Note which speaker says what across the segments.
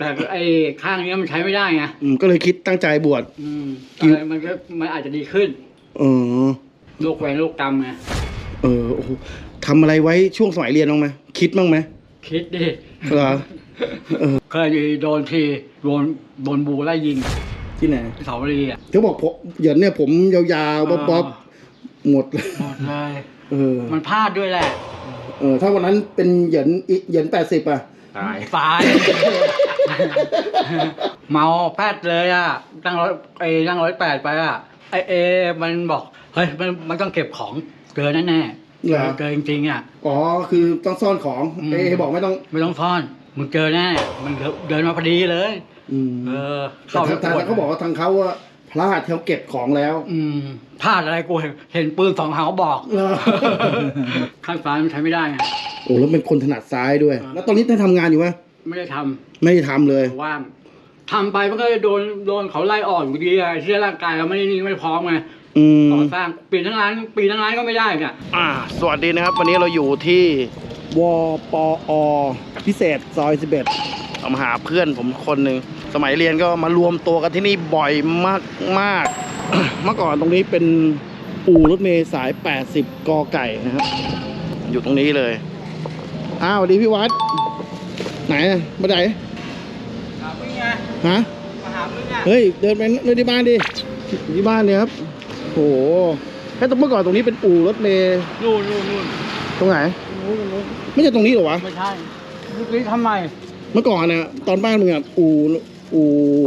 Speaker 1: แต่ไอ้ข้างนี้มันใช้ไม่ได้ไง
Speaker 2: ก็เลยคิดตั้งใจบวช
Speaker 1: อะไรมันอาจจะดีขึ้นโรคแหวนโรคกรรมไง
Speaker 2: โอ้โหทำอะไรไว้ช่วงสมัยเรียนบ้างไหมคิดบ้างไหม
Speaker 1: คิดดิ
Speaker 2: เหรอ
Speaker 1: เคยโดนทีโดนบูไล่ยิง
Speaker 2: ที่ไหน
Speaker 1: เสาวรีอ่ะ
Speaker 2: เขาบอกผมเหยินเนี่ยผมยาวๆบ๊อบหมดเลย
Speaker 1: มันพลาดด้วยแหละ
Speaker 2: ถ้าวันนั้นเป็นเหยิน80อ่ะ
Speaker 1: ตายเมาแพทย์เลยอ่ะนั่ง108ไปอ่ะมันบอกเฮ้ยมันต้องเก็บของเกินแน่เกินจริงๆอ่ะ
Speaker 2: คือต้องซ่อนของบอกไม่ต้อง
Speaker 1: ซ่อนมึงเจอแน่มันเดินมาพอดีเลย
Speaker 2: แต่เขาบอกว่าทางเขาว่าพลาดเขาเก็บของแล้ว
Speaker 1: พลาดอะไรกูเห็นปืน2 เขาบอกข้างซ้ายมันใช้ไม่ได้ไง
Speaker 2: แล้วเป็นคนถนัดซ้ายด้วยแล้วตอนนี้ได้ทำงานอยู่ไหม
Speaker 1: ไม่ได้
Speaker 2: ทำเลย
Speaker 1: ว่างทำไปมันก็โดนเขาไล่ออกอยู่ดีไงเชื่อร่างกายเราไม่พร้อมไงก่อสร้างปีทั้งร้านก็ไม่ได้เนี่ย
Speaker 2: สวัสดีนะครับวันนี้เราอยู่ที่วปอพิเศษซอย11เอามาหาเพื่อนผมคนหนึ่งสมัยเรียนก็มารวมตัวกันที่นี่บ่อยมาก เมื่อก่อนตรงนี้เป็นอู่รถเมล์สาย80กไก่นะครับอยู่ตรงนี้เลยสวัสดีพี่วัดไหนมาไหน
Speaker 1: หาเพื่อนไง
Speaker 2: ฮะ
Speaker 1: มาหาเพื่อนไง
Speaker 2: เฮ้ยเดินไปที่บ้านดิที่บ้านเนี่ยครับโหแค่เมื่อก่อนตรงนี้เป็นอู่รถเมล์
Speaker 1: นู่น
Speaker 2: ตรงไหนไม่ใช่ตรงนี้หรอวะ
Speaker 1: ไม่ใช่ยุคนี้ทำไม
Speaker 2: เมื่อก่อนเนี่ยตอนบ้านมึงอ่ะอู่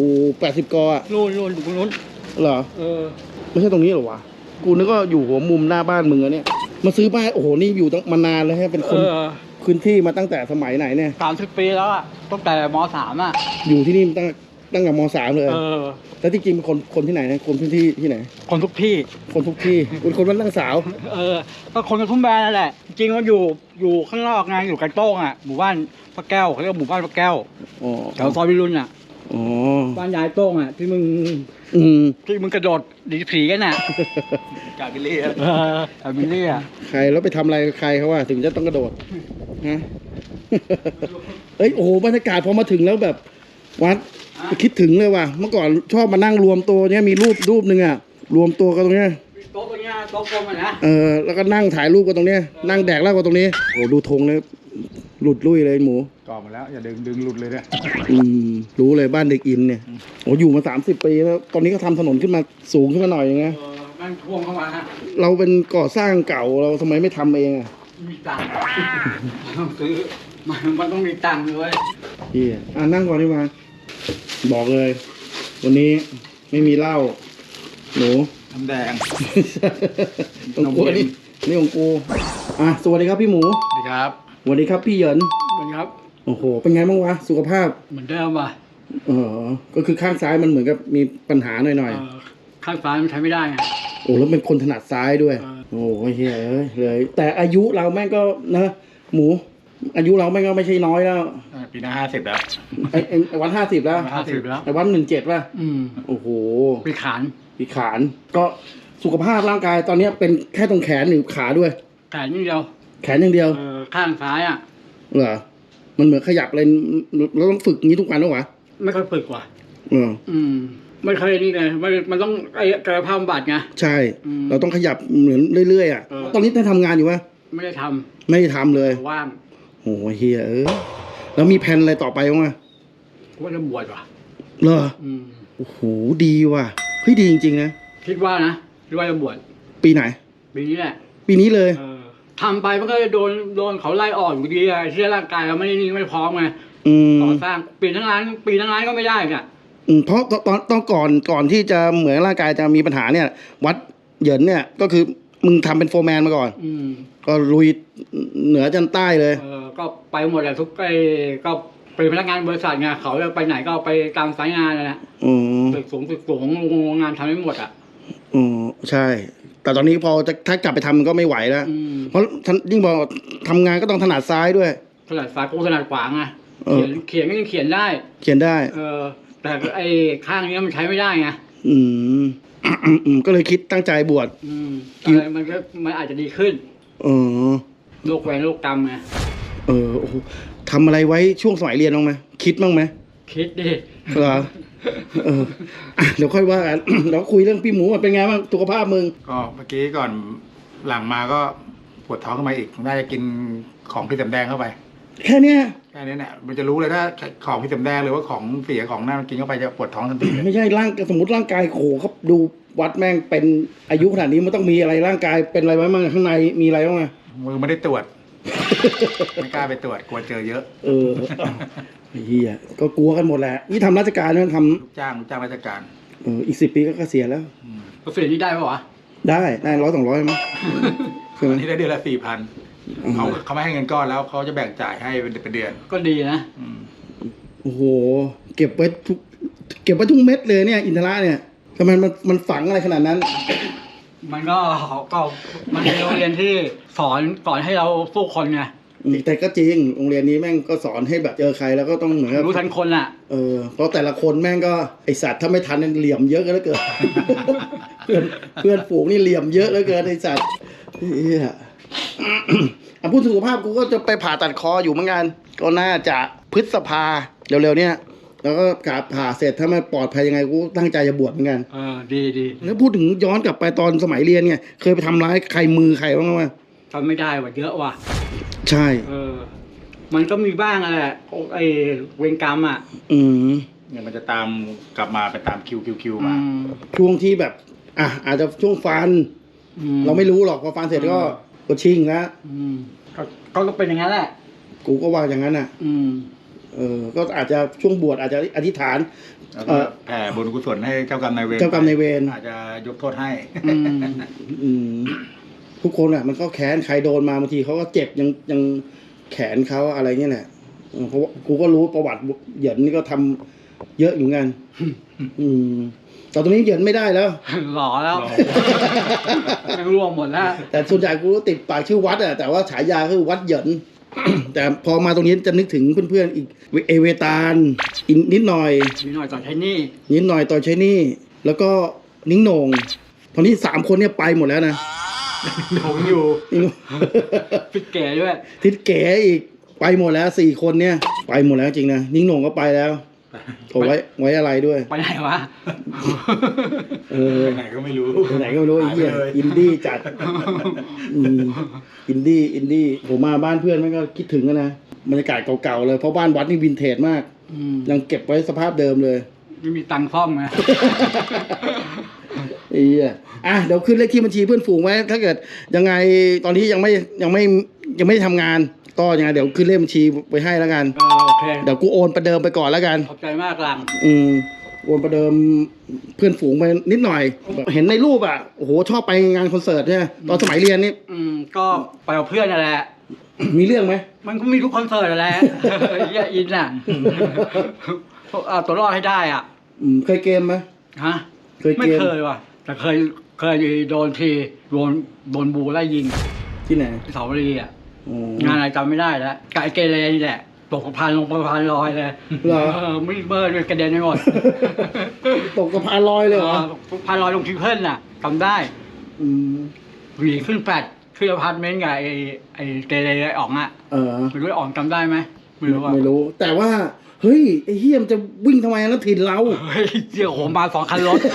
Speaker 2: 80กอ่ะ
Speaker 1: นู่นอยู่ตรงนู้น
Speaker 2: เหรอไม่ใช่ตรงนี้หรอวะกูนึกว่าอยู่หัวมุมหน้าบ้านมึงอะเนี่ยมาซื้อบ้านโอ้โหนี่อยู่มานานแล้วฮะเป็นคนพื้นที่มาตั้งแต่สมัยไหนเนี่ย
Speaker 1: 30 ปีแล้วอ่ะตั้งแต่ม.3อ่ะ
Speaker 2: อยู่ที่นี่ตั้งแต่ม.3เลยแล้วจริงๆเป็นคนที่ไหนนะคนพื้นที่ที่ไหน
Speaker 1: คนทุกที่
Speaker 2: เป็นคนบ้านตั้งสาว
Speaker 1: ก็คนกับทุ่งแบนนั่นแหละจริงมันอยู่ข้างนอกไงอยู่กันโต้งอ่ะหมู่บ้านพระแก้วเขาเรียกหมู่บ้านพระแก้วแถวซอยวิรุณอ่ะบ้านยายโต้งอ่ะที่มึงกระโดดดีผีกันน่ะ
Speaker 2: กาบิลลี่
Speaker 1: อ่ะ
Speaker 2: ใครแล้วไปทำอะไรใครเขาว่าถึงจะต้องกระโดดฮะโอ้โหบรรยากาศพอมาถึงแล้วแบบวัดคิดถึงเลยว่ะเมื่อก่อนชอบมานั่งรวมตัวเนี้ยมีรูปหนึ่งอ่ะรวมตัวกันตรงเนี้ย
Speaker 1: โต๊ะตรงเนี้ยโต๊ะกลมอ่ะนะ
Speaker 2: แล้วก็นั่งถ่ายรูปกันตรงเนี้ยนั่งแดกเหล้ากันตรงนี้โอ้ดูธงเลยหลุดลุ่ยเลยหมู
Speaker 1: ก่อมาแล้วอย่าดึงหลุดเลยเนี่ย
Speaker 2: รู้เลยบ้านเด็กอินเนี่ยโอ้อยู่มา30 ปีแล้วตอนนี้ก็ทำถนนขึ้นมาสูงขึ้นมาหน่อยอย่างเงี้ย
Speaker 1: นั่งท่วมเข้ามาฮะ
Speaker 2: เราเป็นก่อสร้างเก่าเราทำไมไม่ทำเองอ่ะ
Speaker 1: มีตังค์ต้องซื้อมันต้องมีตังค์ด้วย
Speaker 2: นั่งก่อนดีกว่าบอกเลยวันนี้ไม่มีเหล้าหนู
Speaker 1: น้ำแดง
Speaker 2: ของกูนี่ของกูสวัสดีครับพี่หมู
Speaker 1: สวัสดีครับ
Speaker 2: สวัสดีครับพี่เหยิน
Speaker 1: สวัสดีครับ
Speaker 2: โอ้โหเป็นไงบ้างวะสุขภาพ
Speaker 1: เหมือนเดิมป่ะ
Speaker 2: ก็คือข้างซ้ายมันเหมือนกับมีปัญหาหน่อย
Speaker 1: ข้างซ้ายมันใช้ไม่ได้ไง
Speaker 2: แล้วเป็นคนถนัดซ้ายด้วยโอ้ยเฮ้ยเลยแต่อายุเราแม่งก็นะหมูอายุเราแม่งก็ไม่ใช่น้อยแล้ว
Speaker 1: ปีหน้า50แล้ว
Speaker 2: ไอ้วัน50แล้วไอ้วัน17ป่ะโอ้โห
Speaker 1: ปีขาน
Speaker 2: ก็สุขภาพร่างกายตอนนี้เป็นแค่ตรงแขนหรือขาด้วย
Speaker 1: แขนอย่างเดียว
Speaker 2: ข้าง
Speaker 1: ซ้ายอ่ะ
Speaker 2: เหรอมันเหมือนขยับเลยเราต้องฝึกงี้ทุกวันหรอวะ
Speaker 1: ไม่ค่อยฝึกว่ะไม่เคยนี่ไงมันต้องกายภาพบำบัดไง
Speaker 2: ใช่เราต้องขยับเหมือนเรื่อยๆอ่ะตอนนี้ได้ทำงานอยู่ปะ
Speaker 1: ไม่ได้
Speaker 2: ทำเลย
Speaker 1: ว่าง
Speaker 2: โอ้เฮียแล้วมีแผนอะไรต่อไปบ้าง
Speaker 1: ว่าจะบวชว่ะ
Speaker 2: เหรอโอ้โหดีว่ะเฮ้ยดีจริงๆนะ
Speaker 1: คิดว่าจะบวช
Speaker 2: ปีไหน
Speaker 1: ปีนี้แหละ
Speaker 2: ปีนี้เลย
Speaker 1: ทำไปมันก็โดนเขาไล่ออกอยู่ดีไงเชื่อร่างกายเราไม่พร้อมไงก่อสร้างปีทั้งร้านก็ไม่ได้อ่ะ
Speaker 2: เพราะตอนก่อนที่จะเหมือนร่างกายจะมีปัญหาเนี่ยวัดเหยินเนี่ยก็คือมึงทำเป็นโฟร์แมนมาก่อนก็ลุยเหนือจนใต้เลย
Speaker 1: ก็ไปหมดแหละทุกก็เป็นพนักงานบริษัทไงเขาจะไปไหนก็ไปตามสายงานเลยนะตึกสูงโรงงานทำไม่หมดอ่ะ
Speaker 2: ใช่แต่ตอนนี้พอถ้ากลับไปทำมันก็ไม่ไหวแล้วเพราะยิ่งบอกทำงานก็ต้องถนัดซ้ายด้วย
Speaker 1: ถนัดซ้ายกูถนัดขวาไงเขียนก็ยังเขียนได้แต่ไอ้ข้างนี้มันใช้ไม่ได้ไง
Speaker 2: ก็เลยคิดตั้งใจบวช
Speaker 1: อะไรมันอาจจะดีขึ้นโรคแหวนโรคกรรมไง
Speaker 2: โอ้โหทำอะไรไว้ช่วงสมัยเรียนบ้างไหมคิดบ้างไหม
Speaker 1: คิดดิ
Speaker 2: เหรอเดี๋ยวค่อยว่ากัน เราคุยเรื่องพี่หมูเป็นไงบ้างสุขภาพมึง
Speaker 3: ก็เมื่อกี้ก่อนหลังมาก็ปวดท้องขึ้นมาอีกน่าจะกินของพี่สำแดงเข้าไป
Speaker 2: แค่เนี้ย
Speaker 3: แค่นี้เนี่ยมันจะรู้เลยถ้าของพี่สำแดงหรือว่าของเสียของนั่นกินเข้าไปจะปวดท้องทันทีเลย
Speaker 2: ไม่ใช่สมมติร่างกายโขเขาดูวัดแม่งเป็นอายุขนาดนี้มันต้องมีอะไรร่างกายเป็นอะไรไว้บ้างข้างในมีอะไรบ้างอะ
Speaker 3: มือไม่ได้ตรวจ ไม่กล้าไปตรวจกลัวเจอเยอะ
Speaker 2: เฮียก็กลัวกันหมดแหละนี่ทำราชการนะท
Speaker 3: ลูกจ้างราชการ
Speaker 2: ำอีก10 ปีก็เกษียณแล้ว
Speaker 1: ก็เสียนี่ได้ปะวะ
Speaker 2: ได้100-200มั้งใช่ไหม
Speaker 3: อันนี้ได้เดือนละ4,000เขาไม่ให้เงินก้อนแล้วเขาจะแบ่งจ่ายให้เป็นเดือน
Speaker 1: ก็ดีนะ
Speaker 2: โอ้โหเก็บไว้ทุกเม็ดเลยเนี่ยอินทระเนี่ยทำไมมันฝังอะไรขนาดนั้น
Speaker 1: มันก็มันเป็นโรงเรียนที่สอนให้เราสู้คนไง
Speaker 2: แต่ก็จริงโรงเรียนนี้แม่งก็สอนให้แบบเจอใครแล้วก็ต้องเหมือนกับ
Speaker 1: รู้ทันคนอ่ะ
Speaker 2: เพราะแต่ละคนแม่งก็ไอสัตว์ถ้าไม่ทันเหลี่ยมเยอะกันแล้วเกิน เพื่อนฝูงนี่เหลี่ยมเยอะแล้วเกินไอสัตว์เหี้ยพูดถึงสุขภาพกูก็จะไปผ่าตัดคออยู่เหมือนกันก็น่าจะพฤษภาเร็วๆเนี่ยแล้วก็กาผ่าเสร็จถ้าไม่ปลอดภัยยังไงกูตั้งใจจะบวชเหมือนกัน
Speaker 1: ดี
Speaker 2: แล้วพูดถึงย้อนกลับไปตอนสมัยเรียนเนี่ยเคยไปทำร้ายใครมือใครบ้างไหม
Speaker 1: ทำไม่ได้ว่ะเยอะว่ะ
Speaker 2: ใช่
Speaker 1: มันก็มีบ้างแหละไอเวรกรรมอ่ะ
Speaker 3: เนี่ยมันจะตามกลับมาไปตามคิวมา
Speaker 2: ช่วงที่แบบอาจจะช่วงฟันเราไม่รู้หรอกพอฟันเสร็จก็ชิ่งแล้ว
Speaker 1: ก็เป็นอย่างนั้นแหละ
Speaker 2: กูก็ว่าอย่างนั้นน่ะก็อาจจะช่วงบวชอาจจะอธิษฐาน
Speaker 3: แล้วก็แผ่บุญกุศลให้เจ้ากรรมนายเวร อาจจะยกโทษให้
Speaker 2: ทุกคนอ่ะมันก็แค้นใครโดนมาบางทีเขาก็เจ็บยังแขนเขาอะไรเงี้ยแหละเพราะว่ากูก็รู้ประวัติเหยินนี่ก็ทำเยอะอยู่กันแต่ตรงนี้เหยินไม่ได้แล้ว
Speaker 1: หล่อแล้วไม่รวมหมดแล้ว
Speaker 2: แต่ส่วนใหญ่กูก็ติดปากชื่อวัดอ่ะแต่ว่าฉายาคือวัดเหยิน แต่พอมาตรงนี้จะนึกถึงเพื่อนๆอีกเอเวตาลนิดหน่อย
Speaker 1: มีหน่อยต่อใช้หนี่
Speaker 2: นิดหน่อยต่อใช้หนี่แล้วก็นิ้งโหนงตอนนี้3 คนเนี่ยไปหมดแล้วนะ
Speaker 3: ผมอยู่
Speaker 1: ฟิตเก๋ด้วย
Speaker 2: ทิศเก๋อีกไปหมดแล้ว4 คนเนี่ยไปหมดแล้วจริงนะนิ้งโหนงก็ไปแล้วโอ้ไว้อะไรด้วย
Speaker 1: ไปไหนวะ
Speaker 3: ไหนก็ไม่รู้
Speaker 2: ไหนก็ไม่รู้ไอ้เหี้ยอินดี้จัดอินดี้ผมมาบ้านเพื่อนมันก็คิดถึงกันนะบรรยากาศเก่าๆเลยเพราะบ้านวัดนี่วินเทจมากยังเก็บไว้สภาพเดิมเลย
Speaker 1: ไม่มีตังค์ซ่อมไง
Speaker 2: ไอ้เหี้ยเดี๋ยวขึ้นเลขที่บัญชีเพื่อนฝูงไว้ถ้าเกิดยังไงตอนนี้ยังไม่ทำงานก็ยังไงเดี๋ยวขึ้นเลขบัญชีไว้ให้แล้วกัน
Speaker 1: โอเค
Speaker 2: เดี๋ยวกูโอนประเดิมไปก่อนแล้วกัน
Speaker 1: ขอบใจมากหลัง
Speaker 2: โอนประเดิมเพื่อนฝูงไปนิดหน่อย เห็นในรูปอ่ะโอ้โหชอบไปงานคอนเสิร์ตเนี่ยตอนสมัยเรียนนี่
Speaker 1: ก็ไปกับเพื่อนนั่นแหละ
Speaker 2: มีเรื่องไหม
Speaker 1: มันก็มีทุกคอนเสิร์ตนั่นแหละเหี้ยอินอ่ะเอาตัวรอดให้ได้อ่ะ
Speaker 2: เคยเกมไหม
Speaker 1: ฮะ
Speaker 2: เคยเกม
Speaker 1: ไม่เคยว่ะ แต่เคยโดนทีโดนบูไล่ยิง
Speaker 2: ที่ไหน
Speaker 1: ที่เสาวรีอ่ะงานอะไรจำไม่ได้แล้วกายเกเรนี่แหละตกสะพานลงสะพานลอยเลย
Speaker 2: เหรอ
Speaker 1: ไม่เบิร์ดกระเด็นไปหมด
Speaker 2: ตกสะพานลอยเลยเหรอ
Speaker 1: สะพานลอยลงทิวเพิลน่ะจำได้หวีขึ้นแฟลตขึ้นอพาร์ตเมนต์กับไอ้เกเรไอ้อ๋องอ่ะไม่รู้ไอ้อ๋องจำได้ไหมไม่รู้อ่ะ
Speaker 2: ไม่รู้ แต่ว่าเฮ้ยไอ้เฮียมนจะวิ่งทำไมแล้วถิ่นเรา
Speaker 1: เฮ้ยเดี๋ยวผมมา2 คันรถ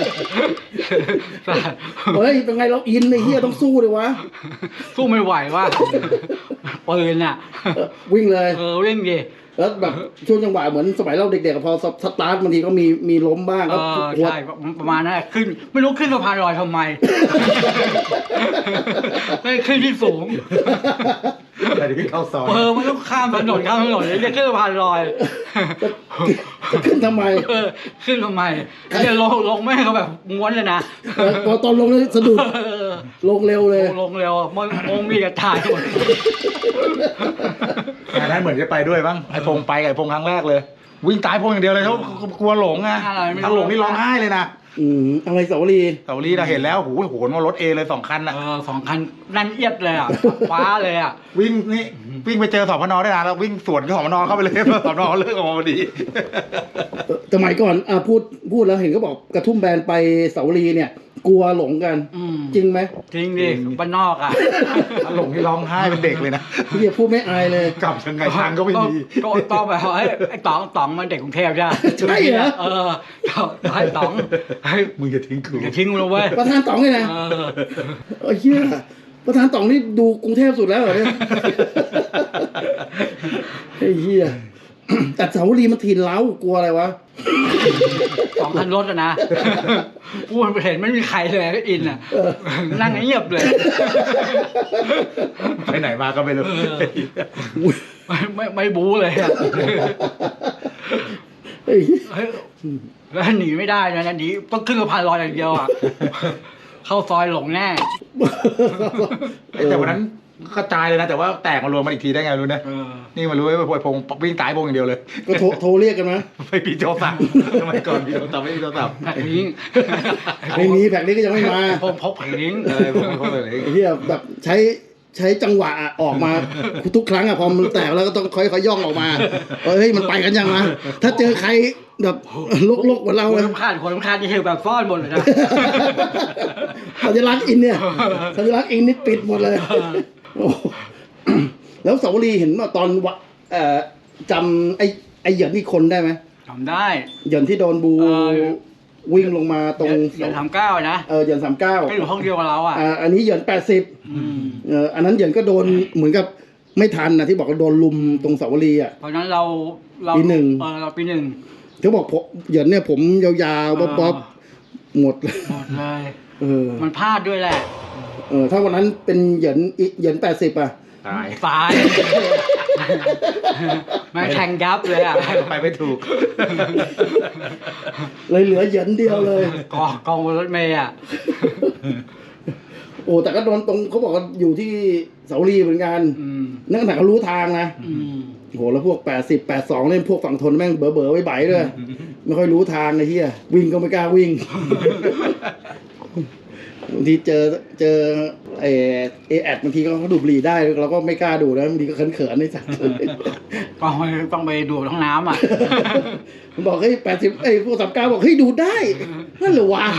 Speaker 2: เฮ้ยเป็นไงเราอินไอ้เฮียต้องสู้เลยวะ
Speaker 1: สู้ไม่ไหวว่ะปืนอ่ะ
Speaker 2: วิ่งเลย
Speaker 1: วิ่งดิ
Speaker 2: แล้วแบบช่วงจังหวะเหมือนสมัยเราเด็กๆพอสตาร์ทบางทีก็มีล้มบ้างก็
Speaker 1: ใช่ประมาณนั้นขึ้นไม่รู้ขึ้นสะพานลอยทำไม ไม่ขึ้นที่สูง
Speaker 3: แต่ที่เข้าซอย
Speaker 1: มันต้องข้ามถนนเลยจะขึ้นสะพานลอย
Speaker 2: จะขึ้นทำไม
Speaker 1: ขึ้นทำไมเนี่ยลงแม่เขาแบบม้วนเลยนะ
Speaker 2: พอตอนลงแล้วสะดุดลงเร็วเลย
Speaker 1: ลงเร็วมองมีกระจายหมด
Speaker 3: อันนั้นเหมือนจะไปด้วยบ้างไอ้พงไปกับไอ้พงครั้งแรกเลย วิ่งตายพงอย่างเดียวเลยเขากลัวหลงอ่ะถ้าหลงนี่ร้องไห้เลยนะ
Speaker 2: อะไรสาวรี
Speaker 3: เสาลีเราเห็นแล้วโหนว่ารถเอเลย2 คันอ่ะ
Speaker 1: 2 คันนั่นเอียดเลยอ่ะฟ้าเลยอ่ะ
Speaker 3: วิ่งไปเจอสพนได้นะแล้ววิ่งสวนสพนเข้าไปเลยสพนเลิกออกมาพอดี
Speaker 2: สมัยก่อนพูดแล้วเห็นก็บอกกระทุ่มแบนไปสาวรีเนี่ยกลัวหลงกัน จริงไหม
Speaker 1: จริงดิบ้านนอกอ่ะ
Speaker 3: หลงที่ร้องไห้เป็นเด็กเลยนะ
Speaker 2: พี่พูดไม่อายเลย
Speaker 3: กลับยังไงทางก็ไม่มี
Speaker 1: ก็ต้องไปไอ้ต๋องมันเด็กกรุงเทพใช่ไหม
Speaker 2: ใช่เหรอ
Speaker 1: ให้ต๋องให้
Speaker 3: มึงจะทิ้งกู
Speaker 1: อย่าทิ้งกูเลยเว้ย
Speaker 2: ประธานต๋องเลยนะเฮียประธานต๋องนี่ดูกรุงเทพสุดแล้วเหรอเนี่ยไอ้เฮียแต่สาวรีมันถิ่นเล้ากลัวอะไรวะ
Speaker 1: สองคันรถอะนะกูเห็นไม่มีใครเลยอินอ่ะนั่งเงียบเลย
Speaker 3: ไปไหนมาก็ไม่รู้
Speaker 1: ไม่บู๊เลยอะ
Speaker 2: เฮ้ย
Speaker 1: แล้วหนีไม่ได้นะหนีต้องขึ้นสะพานลอยอย่างเดียวอ่ะเข้าซอยหลงแน่
Speaker 3: แต่วันนั้นกระจายเลยนะแต่ว่าแตกมารวมมันอีกทีได้ไงรู้นะนี่มารู้ว่าพงวิ่งตายพงอย่างเดียวเลย
Speaker 2: ก็โทรเรียกกันนะ
Speaker 3: ไม่มีโทรศัพท์สมัยก่อนมีโทรศัพท์ไม่มีโทรศัพท์
Speaker 1: แผงลิง
Speaker 2: ไม่มีแผงนี้ก็ยังไม่มา
Speaker 1: พกแผงลิง
Speaker 3: ผมไม่เข้าใจเลย
Speaker 2: ไอ้เฮียแบบใช้จังหวะออกมาทุกครั้งอะพอมันแตกแล้วก็ต้องค่อยๆย่องออกมาเฮ้ยมันไปกันยังวะถ้าเจอใครแบบลกๆเหมือนเรา
Speaker 1: คน
Speaker 2: เลย
Speaker 1: รำคาญที่เฮลแบบซ่อนหมดเลยนะ
Speaker 2: สัญลักษณ์อินเนี่ยสัญลักษณ์อินนี่ปิดหมดเลยโอ้แล้วสาวรีเห็นว่าตอนจำไอ้เหยินอีกคนได้ไหม
Speaker 1: ทำได้
Speaker 2: เหยินที่โดนบูวิ่งลงมาตรง
Speaker 1: เหรียญ39นะ
Speaker 2: เหยิน39
Speaker 1: ก็อยู่ห้องเดียวกับเราอ่ะ
Speaker 2: อันนี้เหยิน80อันนั้นเหยินก็โดนเหมือนกับไม่ทันนะที่บอกว่าโดนลุมตรงสาวรีอ่ะ
Speaker 1: เพราะนั้นเรา
Speaker 2: ปีหนึ่ง
Speaker 1: เราปีหนึ่ง
Speaker 2: เขาบอกเหยินเนี่ยผมยาวๆบ๊อบหมดเลย
Speaker 1: หมดเลย
Speaker 2: มัน
Speaker 1: พลาดด้วยแหละ
Speaker 2: ถ้าวันนั้นเป็นเหยิน80อ่ะ
Speaker 3: ตาย
Speaker 1: ตายไม่แทงยับเลยอ่ะ
Speaker 3: ไปไม่ถูก
Speaker 2: เลยเหลือเหยินเดียวเลย
Speaker 1: กองบนรถเมย์อ่ะ
Speaker 2: โอ้แต่ก็โดนตรงเขาบอกว่าอยู่ที่เสาลีเหมือนกันนั่นขนาดเขารู้ทางนะโหแล้วพวก80 82เล่นพวกฝั่งทนแม่งเบ๋อไว้ใบด้วยไม่ค่อยรู้ทางไอ้เหี้ยวิ่งก็ไม่กล้าวิ่งบางทีเจอไอแอดบางทีก็เขาดูดบุหรี่ได้เราก็ไม่กล้าดูนะบางทีก็เขินๆในสัตว์
Speaker 1: ต้องไปดูดห้องน้ำอ่ะ
Speaker 2: มันบอกเฮ้ย80พวก39บอกเฮ้ยดูดได้นั่นเหรอวะ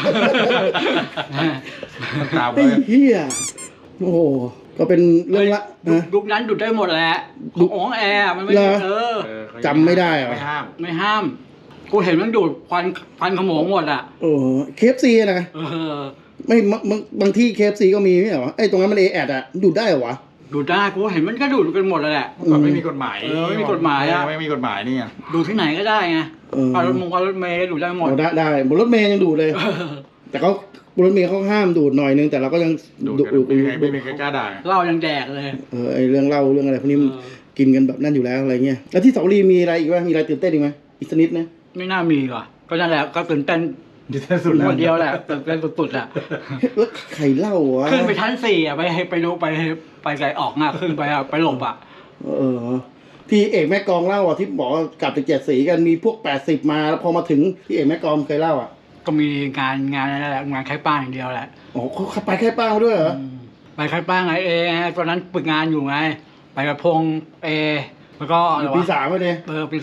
Speaker 3: ตาม
Speaker 2: ไอ้เหี้ยโอ้โหก็เป็นเรื่องละนะ
Speaker 1: ยุคนั้นดูดได้หมดแหละของแอร์มันไม่
Speaker 2: จำไม่ได้เหรอ
Speaker 3: ไม่ห้าม
Speaker 1: ไม่ห้าม กูเห็นมันดูดควันขโมงหมดอ่ะ
Speaker 2: โอ้เคฟซีนะไม่บางที่เคฟซีก็มีไม่เหรอไอ้ตรงนั้นมันแอดอะดูดได้เหรอวะ
Speaker 1: ดูดได้กูเห็นมันก็ดูดกันหมดเลยแหละ
Speaker 3: ก่อนไม่มีกฎหมาย
Speaker 1: ไม่มีกฎหมายอ่ะ
Speaker 3: ไม่มีกฎหมายนี่ไง
Speaker 1: ดูที่ไหนก็ได้ไงรถเมย์ดูได้หมด
Speaker 2: ได้บนรถเมย์ยังดูดเลย แต่เขาบนรถเมย์เขาห้ามดูดหน่อยนึงแต่เราก็ยัง
Speaker 3: ดูดไม่มีใครกล้าด่า
Speaker 1: เหล้ายังแดกเลย
Speaker 2: ไอ้เรื่องเล่าเรื่องอะไรพวกนี้มันกินกันแบบนั่นอยู่แล้วอะไรเงี้ยแล้วที่เสาลีมีอะไรอีกวะมีอะไรตื่นเต้นอีกไหมอีกสักนิดนะ
Speaker 1: ไม่น่ามีว่ะก็นั่นแหละก็ตื่นเต้น
Speaker 3: สุดแล้ว
Speaker 1: คนเดียวแหละตื่นเต้นสุดๆอ่ะ
Speaker 2: แล้วใครเล่าวะ
Speaker 1: ขึ้นไปชั้น4อ่ะไปดูไปไกลออกหน้าขึ้นไปอ่ะไปหลบอ่ะ
Speaker 2: ที่เอกแม่กองเล่าอ่ะที่บอกว่ากลับไป7 สีกันมีพวก80มาแล้วพอมาถึงที่เอกแม่กองเคยเล่าอ่ะ
Speaker 1: ก็มีงานนั่นแหละงานคล้ายป้างอย่างเดียวแหละ
Speaker 2: อ๋อเขาไปแค่ป้ามาด้วยเหรอ
Speaker 1: ไปคล้ายป้างไงตอนนั้นฝึกงานอยู่ไงไปกับพงแล้วก็อะไรวะ
Speaker 2: ปี3เลย
Speaker 1: ปี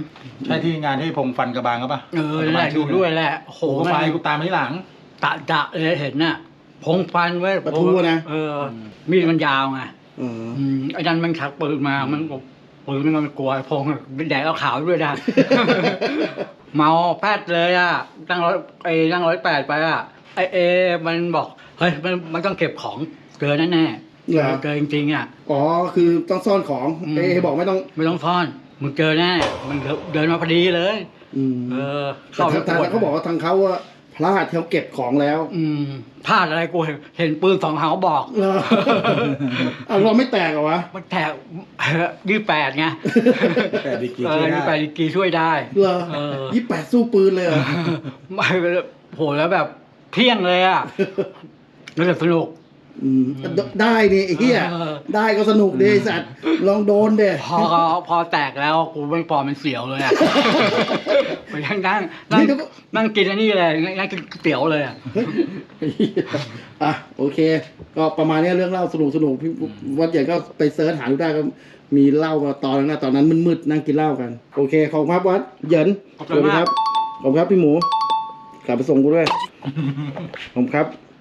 Speaker 1: 3
Speaker 3: ใช่ที่งานที่พงฟันกระบางก็ปะ
Speaker 1: นั่นแหละอยู่ด้วยแหละโห
Speaker 3: โอ้ไฟกูตามมาที่หลัง
Speaker 1: จะเลยเห็นน่ะพงฟันไว้
Speaker 2: ประตูนะ
Speaker 1: มีดมันยาวไงไอ้นั่นมันชักปืนมามันปืนมันกลัวพงเป็นแดดเอาขาวด้วยนะ เมาแป๊ดเลยอ่ะนั่ง108ไปอ่ะมันบอกเฮ้ยมันต้องเก็บของเกินแน่ๆเกินจริงๆอ่ะ
Speaker 2: อ๋อคือต้องซ่อนของบอกไม่ต้อง
Speaker 1: ซ่อนมึงเจอแน่มันเดินมาพอดีเลย
Speaker 2: แต่เขาบอกว่าทางเขาว่าพลาดเขาเก็บของแล้ว
Speaker 1: พลาดอะไรกูเห็นปืน2 เขาบอก
Speaker 2: เราไม่แตกเหรอวะ
Speaker 1: มันแตก28ไง
Speaker 3: 28 ดีกรีช่วยได้
Speaker 1: 28 ดีกรีช่วยได้
Speaker 2: เหรอ28สู้ปืนเลยเหรอ
Speaker 1: ไม่โหแล้วแบบเพี้ยงเลยอ่ะแล้วสนุก
Speaker 2: ได้ดิไอ้เหี้ยได้ก็สนุกดิสัตว์ลองโดนเด้
Speaker 1: พอแตกแล้วกูไม่ปอมันเสียวเลยอ่ะไปนั่งกินอันนี้เลยนั่งกินเตี๋ยวเลย
Speaker 2: อ่ะโอเคก็ประมาณนี้เรื่องเล่าสนุกพี่วัดใหญ่ก็ไปเซิร์ชหาดูได้ก็มีเล่ามาตอนนั้นมืดๆนั่งกินเหล้ากันโอเคขอบคุณครับวัดเหยินสวัสดีครับขอบคุณครับพี่หมูกลับไปส่งกูด้วย ผมครับ